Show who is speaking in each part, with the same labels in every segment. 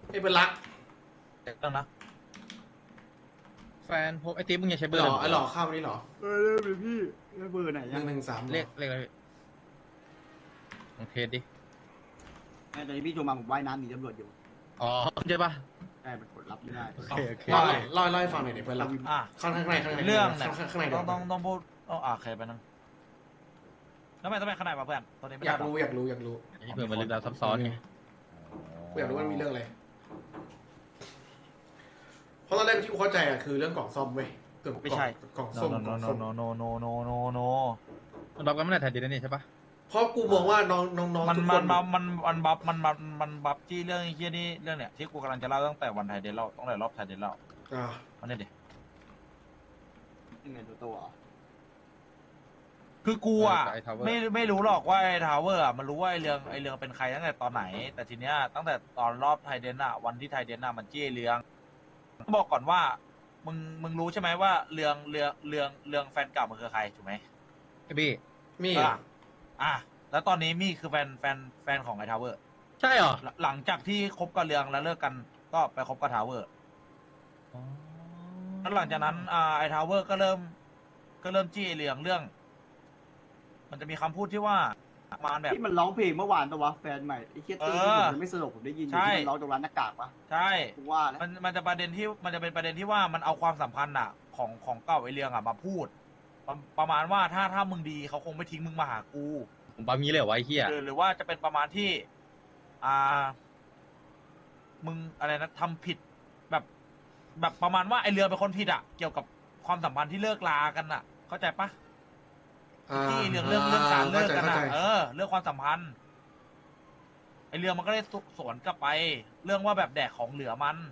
Speaker 1: ไอ้เป็นรัก
Speaker 2: เดี๋ยวต้องนะ
Speaker 3: แฟนผมไอติ๊บมึงอย่าใช้เบอ
Speaker 1: ห
Speaker 3: ร์
Speaker 1: ล่อไอ้หล่อข้าวนี่หรอ
Speaker 4: เริ่มเลยพี่แล้วเบอร์ไหนยัง
Speaker 1: 113
Speaker 3: เลขอะไรพี่ลองเทสดิ
Speaker 4: ตอนนี้พี่โทรมาผมว่ายน้ำหนีตำรวจอยู่
Speaker 3: อ๋อใช่ปะ
Speaker 4: ใช่มันกดรับไม่ได้
Speaker 3: โอเคโอเค
Speaker 1: เล่าให้ฟังหน่อยดิเพื่อนรัก
Speaker 2: อ่ะ
Speaker 1: ข้างในข้างใน
Speaker 2: เรื่องเนี่ย
Speaker 1: ข้างใน
Speaker 2: ต้องพูดใครไปนั่งแล้วทำไมต้องไปข้างในมาเพื่อนตอนนี้ไม่
Speaker 1: อยาก
Speaker 2: ได้หร
Speaker 1: รู้
Speaker 3: นี่เผื่อมันลึกลับซับซ้อนไง
Speaker 1: กูอยากรู้ว่ามีเรื่องอะไรเพราะตอนแรกที่กูเข้าใจอะคือเรื่องกล่องซ่อมเว้ยเกือบ
Speaker 2: ไม่ใช่
Speaker 1: กล่องส้ม
Speaker 2: โน
Speaker 1: กล่อง
Speaker 2: โน
Speaker 1: ส้ม
Speaker 2: โนโนโนโนโนโน
Speaker 3: มันรับกันไม่ได้แทนดีนั่นนี่ใช่ปะ
Speaker 1: เพราะกูมองว่าน้อง
Speaker 2: มัน
Speaker 1: ทุกค
Speaker 2: มัน
Speaker 1: น
Speaker 2: มันบัฟที่เรื่องไอ้เฮียนี่เรื่องเนี่ยที่กูกำลังจะเล่าตั้งแต่วันไทยเดนเล่าตั้งแต่รอบไทยเดนเล่า
Speaker 1: อ่า
Speaker 2: มันเนี่ยดิ
Speaker 4: ยังไงตัวอ่ะ
Speaker 2: คือกูอ่ะ
Speaker 3: ไอ้ทาวเวอร์
Speaker 2: ไม่รู้หรอกว่าไอ้ทาวเวอร์อ่ะมันรู้ว่าไอ้เรื่องเป็นใครตั้งแต่ตอนไหน แต่ทีเนี้ยตั้งแต่ตอนรอบไทยเดนอ่ะวันที่ไทยเดนอ่ะมันจี้เรื่องบอกก่อนว่ามึงรู้ใช่ไหมว่าเรื่องแฟนเก่ามันคือใครถูกไหม
Speaker 3: ไอ้บี้
Speaker 1: มี
Speaker 2: อ่ะแล้วตอนนี้มี่คือแฟนของไอ้ทาวเวอร์
Speaker 3: ใช่เหรอ
Speaker 2: หลังจากที่คบกับเรืองแล้วเลิกกันก็ไปคบกับทาวเวอร์แล้วหลังจากนั้นไอ้ทาวเวอร์ก็เริ่มจี้ไอ้เรื่อง มันจะมีคำพูดที่ว่าประมาณแบบ
Speaker 4: ที่มันร้องเพลงเมื่อวานตัววะแฟนใหม่ไอ้เคียตี้ที่ผมยังไม่สนุกผมได้ยินอยู่ที่มันร้องตรงร้านหน้ากากปะ
Speaker 2: ใช่
Speaker 4: กูว่าแล้ว
Speaker 2: มันจะเป็นประเด็นที่ว่ามันเอาความสัมพันธ์อ่ะของเก่าไอ้เรื่องอ่ะมาพูด ประมาณว่าถ้ามึงดีเขาคงไม่ทิ้งมึงมาหากู
Speaker 3: ผมปั๊มงี้เลยเหรอวะไอ้เหี้ย
Speaker 2: หรือว่าจะเป็นประมาณที่ มึงอะไรนะทำผิดแบบประมาณว่าไอเรือเป็นคนผิดอ่ะเกี่ยวกับความสัมพันธ์ที่เลิกลากันอ่ะ เข้าใจปะที่เรื่องการเลิกกันอ่ะเรื่องความสัมพันธ์ไอเรือมันก็ได้สวนกลับไป เรื่องว่าแบบแดกของเหลือมัน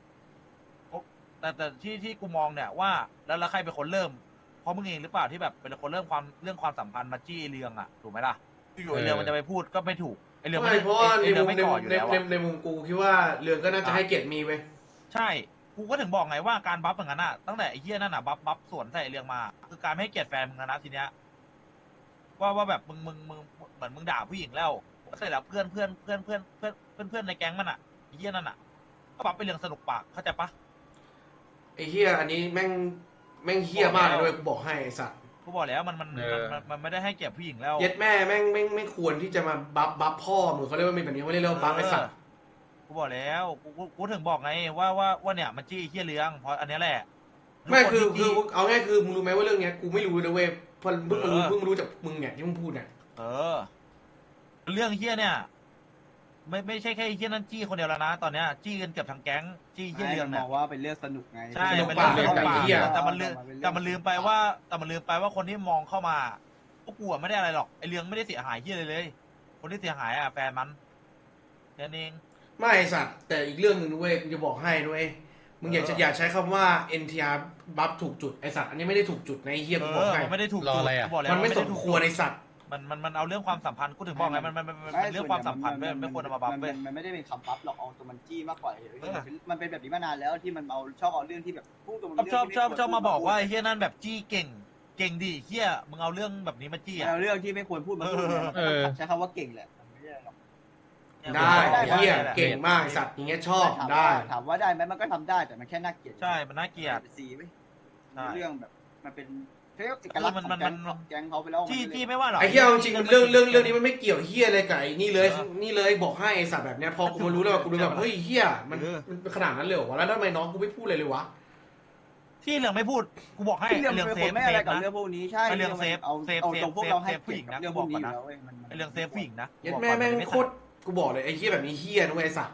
Speaker 2: แต่ที่กูมองเนี่ยว่าแล้วใครเป็นคนเริ่มเพราะมึงเองหรือเปล่าที่แบบเป็นคนเริ่มเรื่องความสัมพันธ์มาจี้ไอ้เรื่องอ่ะถูกไหมล่ะอยู่ไอเรือมันจะไปพูดก็ไม่ถูกไอเรือ
Speaker 1: ไม่เพราะว่า
Speaker 2: ไอเรือไม่ก่ออยู่แล้วอะ
Speaker 1: ในมุมกูคิดว่าเรืองก็น่าจะให้เกียรติมีเว้ย
Speaker 2: ใช่ กูก็ถึงบอกไงว่าการบัฟอย่างนั้นอ่ะ ตั้งแต่ไอ้เหี้ยนั่นอ่ะบัฟสวนใส่เรื่องมา คือการไม่ให้เกียรติแฟนมึงนะทีเนี้ย ว่าแบบมึงเหมือนมึงด่าผู้หญิงแล้วเสร็จแล้วเพื่อนในแก๊งมันอ่ะไอ้เหี้ยนั่นอ่ะก็บัฟเป็นเรื่องสนุกปากเข้าใจปะ
Speaker 1: ไอ้เฮียอันนี้แม่งเฮียมากเลยกูบอกให้ไอ้สัตว์
Speaker 2: กูบอกแล้วมันไม่ได้ให้เกียรติผู้หญิงแล้ว
Speaker 1: เย็ดแม่แม่งไม่ควรที่จะมาบัฟพ่อมึงเขาเรียกว่ามีแบบนี้ไม่ได้เรียกว่าบัฟไอ้สัตว์
Speaker 2: กูบอกแล้วกูถึงบอกไงว่าเนี่ยมันจี้ไอ้เหี้ยเรื่องเพราะอันเนี้ยแหละ
Speaker 1: ไม่คือ
Speaker 2: ทุกนที่จี้
Speaker 1: เอาง่ายคือมึงรู้ไหมว่าเรื่องเนี้ยกูไม่รู้นะเว้ยพอเพิ่งมารู้จากมึงเนี่ยที่มึงพูดเนี่ย
Speaker 2: เรื่องเฮี้ยเนี่ยไม่ใช่แค่เฮี้ยนั่นจี้คนเดียวแล้วนะตอนเนี้ยจี้กันเกือบทั้งแก๊งจี้เฮี้ยเรื่อง
Speaker 4: ม
Speaker 2: เนี่ย
Speaker 4: องว่าเป็นเรื่องสนุกไง
Speaker 2: ใช่
Speaker 1: สนุก
Speaker 2: เป็น
Speaker 1: ปาก
Speaker 2: เรื่อง
Speaker 1: เลย
Speaker 2: ปาก
Speaker 1: ไอ้เหี้ย
Speaker 2: แต่มันลืมไปว่าคนที่มองเข้ามาพวกกูอะไม่ได้อะไรหรอกไอเรื่องไม่ได้เสียหายเฮี้ยเลย คนที่เสียหายอ่ะแฟนมันแค่นั้นเอง
Speaker 1: ไม่ไอ้สัตว์แต่อีกเรื่องหนึ่งด้วยกูจะบอกให้ด้วยมึงอย่าใช้คำว่า NTR บัฟถูกจุดไอ้สัตว์อันนี้ไม่ได้ถูกจุดในะไอ้เฮียกูบอกให้
Speaker 2: มันไม่ได้ถูก
Speaker 3: รอ
Speaker 2: จุด
Speaker 3: อะไรอะ
Speaker 2: กูบอกแล้ว
Speaker 1: มันไม่
Speaker 2: ด้
Speaker 1: สม
Speaker 2: ถูก
Speaker 1: ควรไอ้สัตว์
Speaker 2: มันเอาเรื่องความสัมพันธ์กูถึงบอกไงมันเรื่องความสัมพันธ์ไม่ควรเอามาบัฟเว้ย
Speaker 4: มันไม่ได้เป็นคำบัฟหรอกเอาตัวมันจี้มากกว่ามันเป็นแบบนี้มานานแล้วที่มันชอบเอาเรื่องที่แบบพูดตรง
Speaker 2: ชอบมาบอกว่าไอ้เฮี้ยนั่นแบบจี้เก่งดิเฮี้ยมึงเอาเรื่องแบบนี้มาจี้อ่ะ
Speaker 4: เอาเรื่องที่ไม่ควรพูดมาพูดใช้คำว่าเก่งแหละไม่ใช่หรอก
Speaker 1: ได้ไอ้เฮียเก่งมากไอ้สัตว์อย่างเงี้ยชอบได้
Speaker 4: ถามว่าได้ไหมมันก็ทำได้แต่มันแค่น่าเกลียด
Speaker 2: ใช่มันน่าเกลียด
Speaker 4: ซีไหม
Speaker 2: ใช่
Speaker 4: เรื่องแบบมันเป็นเอกลักษณ์ของแก๊งเขาไปแล้ว
Speaker 2: จี้ไม่ว่าหรอก
Speaker 1: ไอ้เฮียเอาจริงเรื่องนี้มันไม่เกี่ยวเฮียอะไรกับไอ้นี่เลยบอกให้ไอ้สัตว์แบบเนี้ยพอกูมารู้แล้วกูรู้แบบเฮ้ยเฮียมันขนาดนั้นเลยเหรอวะแล้วทำไมน้องกูไม่พูดเลยเลยวะ
Speaker 2: ที่เหลืองไม่พูดกูบอกให้
Speaker 4: เรื่อง
Speaker 2: เหลือง
Speaker 4: เป็น
Speaker 2: เซ
Speaker 4: ค
Speaker 2: ฟ
Speaker 4: นไม่อะไรกับ
Speaker 2: นะ
Speaker 4: เรื่องพวกนี้ใช่
Speaker 2: เรื่องเซฟ
Speaker 4: เอาตรงพวกเราให้
Speaker 2: ผู้หญิงนะ
Speaker 4: เรื่องพวกนี้อยู่แล้วเว้ย
Speaker 2: ไอเรื่องเซฟผู้หญิงนะ
Speaker 1: ยัดแม่แม่งโคตรกูบอกเลยไอ้เฮียแบบนี้เฮียนะเว้ยไอ้สัตว์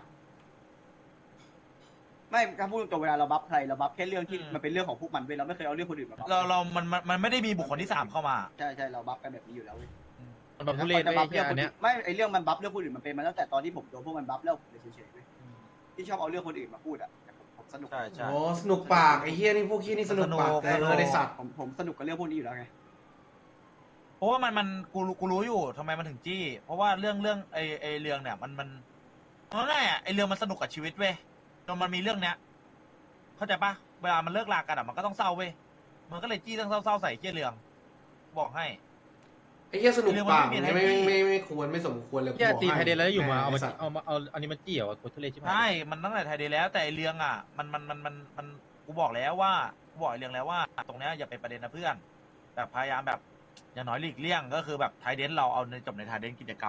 Speaker 4: ไม่การพูดตรงเวลาเราบัฟใครเราบัฟแค่เรื่องที่มันเป็นเรื่องของพวกมันเว้ยเราไม่เคยเอาเรื่องคนอื่นมาบัฟ
Speaker 2: มันไม่ได้มีบุคคลที่3เข้ามา
Speaker 4: ใช่เราบัฟกันแบบนี้อยู่แล้วเว้ย
Speaker 3: มันแบบทุเรศเลยไอ้เหี้ยอันเนี้ย
Speaker 4: ไม่ไอเรื่องมันบัฟเรื่องคนอื่นมันเป็นมาตั้งแต่ตอนที่ผมโดนพวกมันบัฟแล้วผมเลยเฉยๆเว้ยที่ชอบเอาเรื่องคนอื่นมาพูดอ่ะผมสนุก
Speaker 2: ใช่
Speaker 1: อ๋อสนุกปากไอ้เฮียนี่พวกเฮียนี่สนุกปากไอ้สัตว์
Speaker 4: ผมสนุกกับเรื่องพวกนี้อยู่แล้วไง
Speaker 2: เพราะว่ามันกูรู้อยู่ทำไมมันถึงจี้ เพราะว่าเรื่องไอเรื่องเนี่ยมันง่ายอ่ะไอเรื่องมันสนุกกับชีวิตเว้ยจนมันมีเรื่องเนี้ยเข้าใจปะเวลามันเลิกลากันอ่ะมันก็ต้องเศร้าเว้ยมันก็เลยจี้เรื่องเศร้าใส่เจี้ยเรื่องบอกให้
Speaker 1: ไอ้เหี้ยสนุกปากเนี่ยไม่ควรไม่สมควรเลย
Speaker 3: แค่ตีไทยเดนแล้วอยู่มาเอา
Speaker 1: ไอ้
Speaker 3: มา
Speaker 1: สัตว์
Speaker 3: เอาอันนี้มาจี้เหรอโคตรทุเรศใช่ไหม
Speaker 2: ใช่ มันตั้งแต่ไทยเดย์แล้วแต่ไอ้เรื่องอ่ะมันกูบอกแล้วว่ากูบอกไอ้เรื่องแล้วว่า ตรงเนี้ยอย่าเป็นประเด็นนะเพื่อนแบบพยายามแบบอย่างน้อยหลีกเลี่ยงก็คือแบบไทยเดนเราเอาในจบในไทยเดนกิจกรรม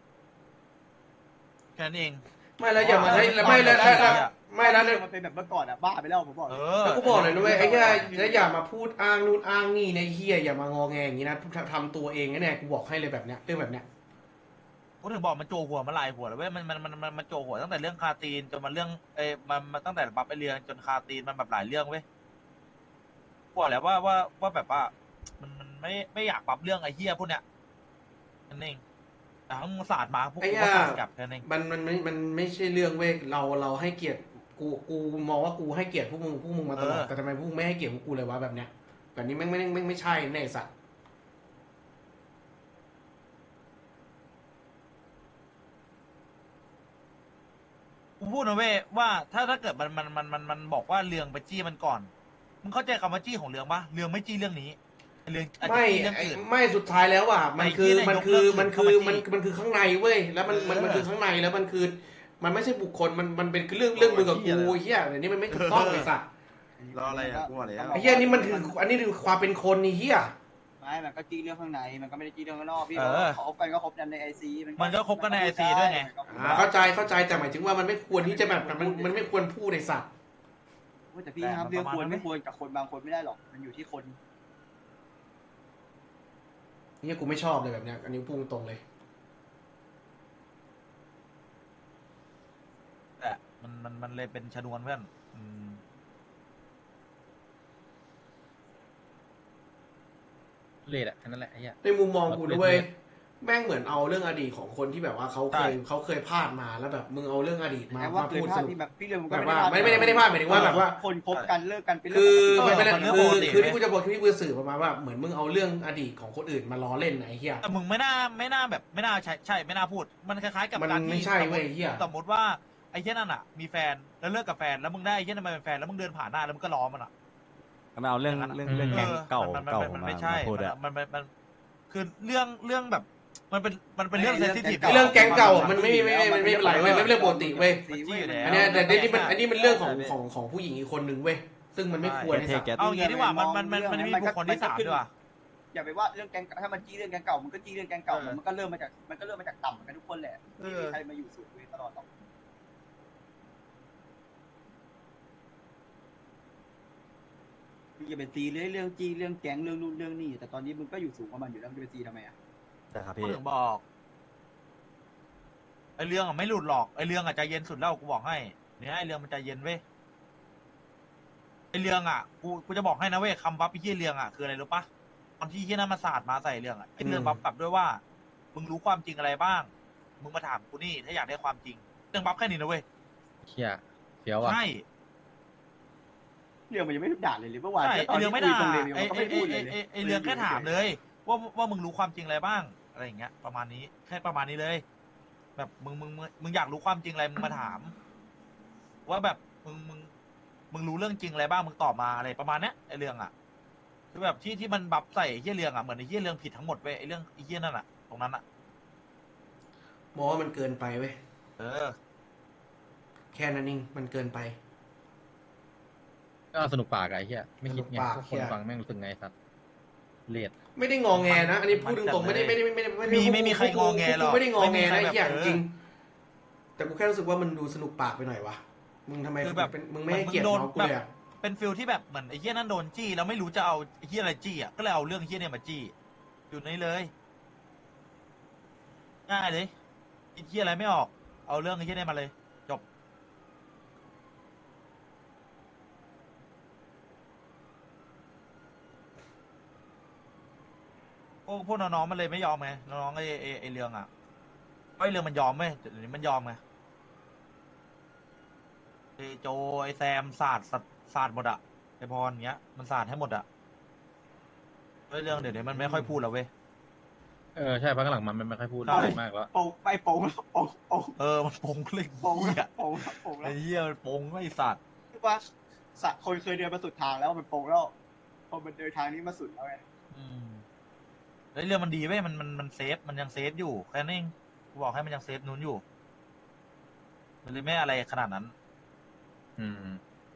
Speaker 2: แค่นั้นเอง
Speaker 1: ไม่แล้วอย่ามาไม่แล้วไม่แล้ว
Speaker 4: มันเป็นแบบเมื่อก่อนอะบ้าไปแล้วผมบอก
Speaker 2: เอ
Speaker 4: เลย
Speaker 2: อ
Speaker 1: แล้วกูบอกเลยนะเว้ยไอ้เหี้ยแล้วอย่ามาพูดอ้างนู่นอ้างนี่ในเหี้ยอย่ามางอแงอย่างนี้นะทำตัวเองแน่กูบอกให้เลยแบบเนี้ยเรื่องแบบเนี้ย
Speaker 2: กูถึงบอกมันโจหัวมันลายหัวแล้วเว้ยมันโจหัวตั้งแต่เรื่องคาตีนจนมาเรื่องมันตั้งแต่บัฟไอเรืองจนคาตีนมันแบบหลายเรื่องเว้ยกูบอกแล้วว่าแบบว่ามันไม่อยากปรับเรื่องไอ้เหี้ยพวกเนี้ยนั่นเองแต่ทั้งศาสตร์มาพวกกูก็ศาสตร์กลับแค่นั้นเอง
Speaker 1: มันไม่ใช่เรื่องเว้ยเราให้เกียรติกูมองว่ากูให้เกียรติพวกมึงมาตลอดแต่ทำไมพวกมึงไม่ให้เกียรติพวกกูเลยวะแบบเนี้ยแบบนี้ไม่ใช่แน่สัตว์
Speaker 2: กูพูดนะเว้ยว่าถ้าเกิดมันบอกว่าเรืองไปจี้มันก่อนมึงเข้าใจคำว่าจี้ของเรืองปะเรืองไม่จี้เรื่องนี้เรืองอาจจะ
Speaker 1: ไม่
Speaker 2: จี้เรื่องอื่น
Speaker 1: ไม่สุดท้ายแล้วอ่ะมันคือ
Speaker 2: ไอ้
Speaker 1: มัน
Speaker 2: เหี้
Speaker 1: คื
Speaker 2: ย
Speaker 1: อ
Speaker 2: นายก
Speaker 1: มันคือ
Speaker 2: เลิก
Speaker 1: มัน
Speaker 2: เข้ามาจี้
Speaker 1: มันคือข้างในเว้ยแล้วมันคือข้างในแล้วมันคือ มันไม่ใช่บุคคลมันเป็นเรื่องมึงกับกูเฮียเดี๋ยวนี้มันไม่ถูกต้องไอ้สัตว์
Speaker 5: รออะไรอ่ะกูบอกแล้ว
Speaker 1: ไอ้เฮียนี่มันคืออันนี้คือความเป็นคนนี่เฮีย
Speaker 4: ไม่มันก็จี้เรื่องข้างในมันก็ไม่ได้จี้เรื่องข้างนอกพี่
Speaker 2: เออ
Speaker 4: เขาคบกันก็คบกันในไอซี
Speaker 2: มันก็คบกันใน IC ด้วยไง
Speaker 1: เข้าใจแต่หมายถึงว่ามันไม่ควรที่จะแบบมันไม่ควรพูดไอ้สัตว์
Speaker 4: แต่พี่ครับเรื่องควรไม่ควรกับคนบางคนไม่ได้หรอกมันอยู่ที่คน
Speaker 1: เฮียกูไม่ชอบเลยแบบเนี้ยอันนี้พูดตรงเลย
Speaker 2: แต่มันเลยเป็นชนวนเพื่อนม
Speaker 3: ทุเรศอะแค่นั้นแหละไอ้เหี้ย
Speaker 1: ในมุมมองกูด้วยแม่งเหมือนเอาเรื่องอดีตของคนที่แบบว่าเขาเคยพลาดมาแล้วแบบมึงเอาเรื่องอดีตมา
Speaker 4: แต่ว่า
Speaker 1: มา
Speaker 4: เคย
Speaker 1: พูด
Speaker 4: พ
Speaker 1: ส
Speaker 4: ลาด
Speaker 1: นุก
Speaker 4: ที่แบบพี่เรื่องมัน
Speaker 1: แบ
Speaker 4: ก็
Speaker 1: บว่า
Speaker 4: ไม่
Speaker 1: ไม่ได้พลาดหมายถึงว่าแบบว่า
Speaker 4: คนคบกันเลิกกันเป็น
Speaker 1: คื
Speaker 4: เรื่
Speaker 1: อ
Speaker 4: อง
Speaker 1: มันเป็น
Speaker 2: เรื่องปกติ
Speaker 1: คือที่กูจะบอกที่กูจะสื่อประมาณว่าเหมือนมึงเอาเรื่องอดีตของคนอื่นมาล้อเล่นนะไอ้เหี้ย
Speaker 2: แต่มึงไม่น่าแบบไม่น่าใช่ไม่น่าพูด มันคล้ายๆกับ
Speaker 1: มัน
Speaker 2: การ
Speaker 1: ไม่
Speaker 2: ที่
Speaker 1: ใช่เว้ยเหี้ย
Speaker 2: สมมติว่าไอ้เช่นนั่นอ่ะ มีแฟนแล้วเลิกกับแฟนแล้วมึงได้ไอ้เช่นนั้นมาเป็นแฟนแล้วมึงเดินผ่านหน้าแล้วมึงก็ล้อมันอ่ะ
Speaker 5: มันเอาเรื่องแก๊งเก่า
Speaker 2: มันไม่ใช่
Speaker 5: พูดอะ
Speaker 2: มันคือเรื่องแบบมันเป็นเรื่องเซนซิทีฟ
Speaker 1: เรื่องแก๊งเก่ามันไม่เป็นไรเว้ยไม่เป็นเรื่องปกติเว้ย อันเนี้ยแต่อันนี้มันเรื่องของผู้หญิงอีกคนนึงเว้ยซึ่งมันไม่ควรไอ้สัตว์
Speaker 2: เอางี้ดีกว่ามันมีบุคคลที่สามด้วยว่ะ
Speaker 4: อย่าไปว่าเรื่องแก๊งถ้ามันจี้เรื่องแก๊งเก่ามันก็จี้เรื่องแก๊งเก่ามันก็เริ่มมาจากต่ำกันทุกคนแหละไม่มีใครมาอยู่สูงเลยตลอดหรอกอย่าไปตีเรื่องจี้เรื่องแก๊งเรื่องนู่นเรื่องนี่แต่ตอนนี้มึงก็อยู่สูงกว่ามันอยู่แล้วมึงจะไปตีทำไมอ่ะ
Speaker 5: แต่ครับ
Speaker 2: กู
Speaker 5: พี่
Speaker 2: ถึงบอกไอเรื่องอ่ะไม่หลุดหรอกไอเรื่องอ่ะใจเย็นสุดแล้วกูบอกให้เนี่ยไอเรื่องมันใจเย็นเว้ยไอเรื่องอ่ะกูจะบอกให้นะเว้ยคำบัฟไอ้เหี้ยเรื่องอ่ะคืออะไรรู้ปะตอนที่เหี้ยนั่นมาสาดมาใส่เรื่องอ่ะไอเรื่องบัฟกลับด้วยว่ามึงรู้ความจริงอะไรบ้างมึงมาถามกูนี่ถ้าอยากได้ความจริงเรื่องบัฟแค่นี้นะเว้ย
Speaker 3: เหี้ยเฟี้ยวอะ
Speaker 2: ใช่
Speaker 4: เรื่องมันยังไม่ด่าเลยเมื่อวาน
Speaker 2: ใช่ไอเรื่องไม่ด่า
Speaker 4: ตรงเลย
Speaker 2: ไอ
Speaker 4: ก็ไม่พูดเลย
Speaker 2: ไอเรื่องแค่ถามเลยว่ามึงรู้ความจริงอะไรบ้างอะไรอย่างเงี้ยประมาณนี้แค่ประมาณนี้เลย แบบมึงอยากรู้ความจริงอะไรมึงมาถาม ว่าแบบมึงรู้เรื่องจริงอะไรบ้างมึงตอบมาอะไรประมาณเนี้ยไอเรื่องอ่ะคือแบบที่มันบัฟใส่ไอ้เหี้ยเรื่องอ่ะเหมือนไอ้เหี้ยเรื่องผิดทั้งหมดเว้ยไอเรื่องไอ้เหี้ยนั่นอ่ะตรงนั้นอ่ะ
Speaker 1: มองว่ามันเกินไปเว้ย
Speaker 2: เออ
Speaker 1: แค่นั้นเองมันเกินไป
Speaker 3: ก็สนุกปากอะไอ้เหี้ยไม่คิดไง
Speaker 1: สนุกปาก
Speaker 3: พวกคน
Speaker 1: เหี้ย
Speaker 3: ฟังแม่งรู้สึกไงสัตว์เลียด
Speaker 1: ไม่ได้งอแงนะอันนี้พูดตรงๆไม่ได้
Speaker 2: ไม่มีใครงอแงหรอก
Speaker 1: ไม่ได้งอแง
Speaker 2: ไม่
Speaker 1: นะ
Speaker 2: มี
Speaker 1: ไอ้
Speaker 2: ใคร
Speaker 1: เหี้ย
Speaker 2: แบบ
Speaker 1: จริงแต่กูแค่รู้สึกว่ามันดูสนุกปากไปหน่อยวะมึงทำไม
Speaker 2: คือแบบ
Speaker 1: มึงไม่ให้เกียรติน้องกูเลยอะ
Speaker 2: เป็นฟิลที่แบบเหมือนไอ้เหี้ยนั่นโดนจี้แล้วไม่รู้จะเอาไอ้เหี้ยอะไรจี้อ่ะก็เลยเอาเรื่องไอ้เหี้ยเนี่ยมาจี้อยู่ในเลยง่ายเลยไอ้เหี้ยอะไรไม่ออกเอาเรื่องไอ้เหี้ยเนี่ยมาเลยจบพวกน้องๆมันเลยไม่ยอมไงน้องๆไอ้เรื่องอ่ะไอ้เรื่องมันยอมไหมเดี๋ยวนี้มันยอมไงไอ้โจไอ้แซมศาสตร์หมดอะไอ้พรเงี้ยมันศาสตร์ให้หมดอะไอ้เรื่องเดี๋ยวนี้มันไม่ค่อยพูดแล้วเว้ย
Speaker 3: ใช่พักหลังมันไม่ค่อยพูด
Speaker 2: ใช่
Speaker 3: อะไรมากแล้ว
Speaker 4: โป่งไปโป่งโป่ง
Speaker 2: มันปงเลย
Speaker 4: โป่ง
Speaker 2: เหี้ย
Speaker 4: โป่งโป่งแล้
Speaker 2: ไอ้
Speaker 4: ว
Speaker 2: เหี้ยมันปงไม่สัตว์
Speaker 4: คือว่าสัตว์คนเคยเดินมาสุดทางแล้วมันโป่งแล้วพอมันเดินทางนี้มาสุดแล้วไง
Speaker 2: อืมแล้วเรื่องมันดีเว้ยมันเซฟมันยังเซฟอยู่แค่นั้นเองกูบอกให้มันยังเซฟนู้นอยู่มันเลยไม่อะไรขนาดนั้น
Speaker 3: อืม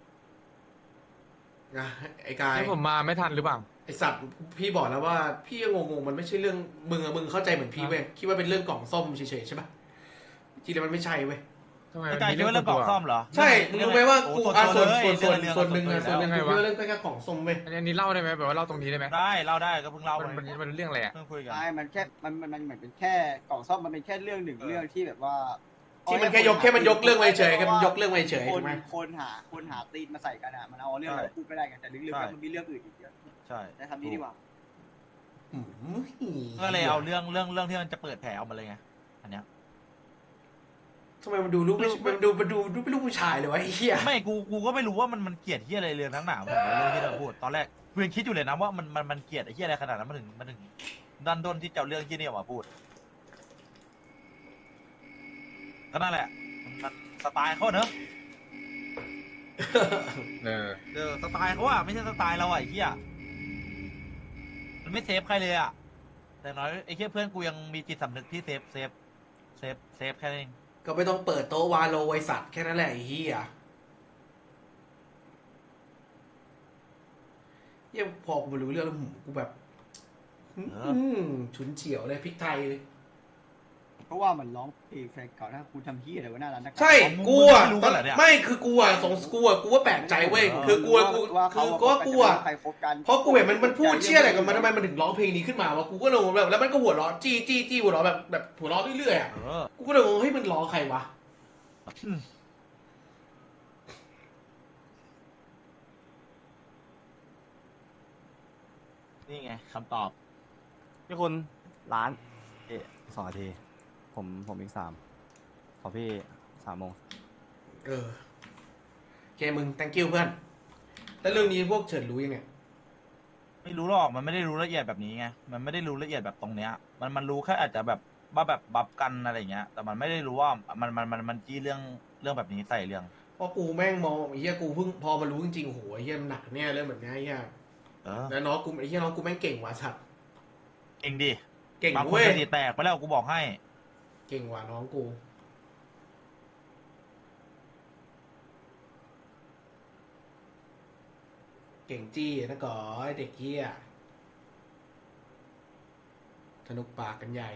Speaker 1: นะไอ้กาย
Speaker 3: ให้ผมมาไม่ทันหรือเปล่า
Speaker 1: ไอสัตว์พี่บอกแล้วว่าพี่ยังงงๆมันไม่ใช่เรื่องมึงเข้าใจเหมือนพี่เว้ยคิดว่าเป็นเรื่องกล่องส้มเฉยๆใช่ปะจริงๆแล้วมันไม่ใช่เว้ย
Speaker 3: ทำไม
Speaker 2: ไอ้
Speaker 3: มัน
Speaker 2: กาย
Speaker 3: มี
Speaker 2: คิดว่าเรื่องกล่องซ่อมเหรอ
Speaker 1: ใช่มึงรู้ไหมว่ากู
Speaker 2: โอ้
Speaker 1: ส่วน
Speaker 2: เลย
Speaker 1: ส่วน
Speaker 2: เรื่อง
Speaker 1: ส่วนหนึ่ง
Speaker 2: เรื่
Speaker 1: ส่วนหนึ่ง
Speaker 2: แล้ว
Speaker 1: กูคิดว่าเรื่องแค่กล่องส้มเว้ย
Speaker 3: อันนี้เล่าได้ไหมแบบว่าเล่าตรงนี้ได้ไหม
Speaker 2: ได้เราได้ก็เพิ่งเล่า
Speaker 3: มัน
Speaker 2: ไป
Speaker 3: มันเรื่องอะไรอ่ะ
Speaker 2: เพิ่งคุยกัน
Speaker 4: ใช่มันแค่มันเหมือนเป็นแค่กล่องซ่อมมันเป็นแค่เรื่องหนึ่งเรื่องที่แบบว่า
Speaker 1: ที่มันแค่ยกเรื่องไว้เฉยแค่มันยกเรื่องไว้เฉย
Speaker 4: ค
Speaker 1: ถู
Speaker 4: น
Speaker 1: กไหม
Speaker 4: คนหาตีนมาใส่กันอ่ะมันเอาเรื่องอะไรพูดไม่ได้กันแต่ลึกๆแล้วมันมีเรื่องอื่นอีกเยอะ
Speaker 2: ใช่
Speaker 4: ใช้คำนี้ดีกว่า
Speaker 1: อืม
Speaker 2: ก็เลยเอาเรื่องที่มันจะเปิดแผลออกมาเลยไงอันเนี้ย
Speaker 1: ทำไมมันดูลูกมันดูเป็นลูกผู้ชายเลยวะไอ้เหี้ย
Speaker 2: ไม่กูก็ไม่รู้ว่ามันเกลียดที่อะไรเรื่องทั้งหนาผมเรื่องที่เราพูดตอนแรกกูยังคิดอยู่เลยนะว่ามันเกลียดไอ้ที่อะไรขนาดนั้นมันถึงดันด้นที่จะเอาเรื่องที่นี่ออกมาพูดก็นั่นแหละมันสไตล์เขาเนอะ
Speaker 3: เออ
Speaker 2: สไตล์เขาอะไม่ใช่สไตล์เราอะไอ้เหี้ยมันไม่เซฟใครเลยอะแต่น้อยไอ้เหี้ยเพื่อนกูยังมีจิตสำนึกที่เซฟแค่นั้นเอง
Speaker 1: ก็ไม่ต้องเปิดโต๊ะวาโลไวสัตว์แค่นั้นแหละไอ้เหี้ยเหี้ยพอกูมารู้เรื่องแล้วกูแบบฉุนเฉียวเลยพริกไทยเลย
Speaker 4: เพราะว่ามันร้องเพลงแฟนเก่าถ้าคุณทำที่อะไรวะหน้าร้านนัก
Speaker 1: ใช่
Speaker 2: อ๋อมึง
Speaker 1: กูอ่ะ
Speaker 2: ไม่รู้กันเหรอเนี่ย
Speaker 1: ไม่คือกูอ่ะสงกูว่าแปลกใจเว้ยคือกูว่ากูอ่ะ
Speaker 4: ใครคบกัน
Speaker 1: เพราะกูเห็นมันพูดเชี่ยอะไรกับมันทำไมมันถึงร้องเพลงนี้ขึ้นมาวะกูก็เลยงงแบบแล้วมันก็หัวเราะจี้หัวเราะแบบหัวเราะเรื่อยๆอ่ะ
Speaker 2: เออ
Speaker 1: กูก็เลยงงเฮ้ยมันร้องใครวะ
Speaker 2: นี่ไงคำตอบ
Speaker 5: พี่คุณร้าน2 นาที ผมอีก 3 ขอพี่3 โมง
Speaker 1: โอเคมึง thank you เพื่อนแล้วเรื่องนี้พวกเฉินรู้ยังไง
Speaker 2: ไม่รู้หรอกมันไม่ได้รู้ละเอียดแบบนี้ไงมันไม่ได้รู้ละเอียดแบบตรงเนี้ยมันรู้แค่อาจจะแบบว่าแบบบับกันอะไรอย่างเงี้ย แต่มันไม่ได้รู้ว่ามันจี้เรื่องแบบนี้ใส่เรื่อง
Speaker 1: เพราะกูแม่งมองไอ้เหี้ยกูเพิ่งพอมารู้จริงๆโอ้โหไอ้เหี้ยมันหนักแน่เรื่องแบบนี้ไอ้เหี้ย
Speaker 2: เออ
Speaker 1: แล้วน้องกูไอ้เหี้ยน้องกูแม่งเก่งว่ะสัตว์
Speaker 2: เองดิ
Speaker 1: เก่ง
Speaker 2: บางคน
Speaker 1: เว้ย
Speaker 2: สติแตกไปแล้วกูบอกให้
Speaker 1: เก่งว่ะน้องกูเก่งจี้นะก่อไอ้เด็กเหี้ยสนุกปากกันใหญ่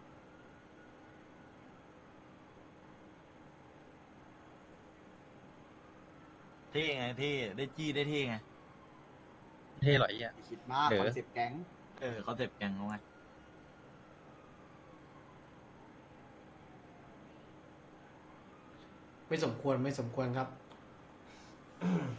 Speaker 2: เท่ไงเท่ได้จี้ได้เท่ไง
Speaker 3: เท่หรอไอ้เหี้ย
Speaker 4: คิดมาก
Speaker 3: เออ
Speaker 4: คอนเซ็ปต์แก๊ง
Speaker 2: เขาเจ็บแกงเขาไง
Speaker 1: ไม่สมควรครับ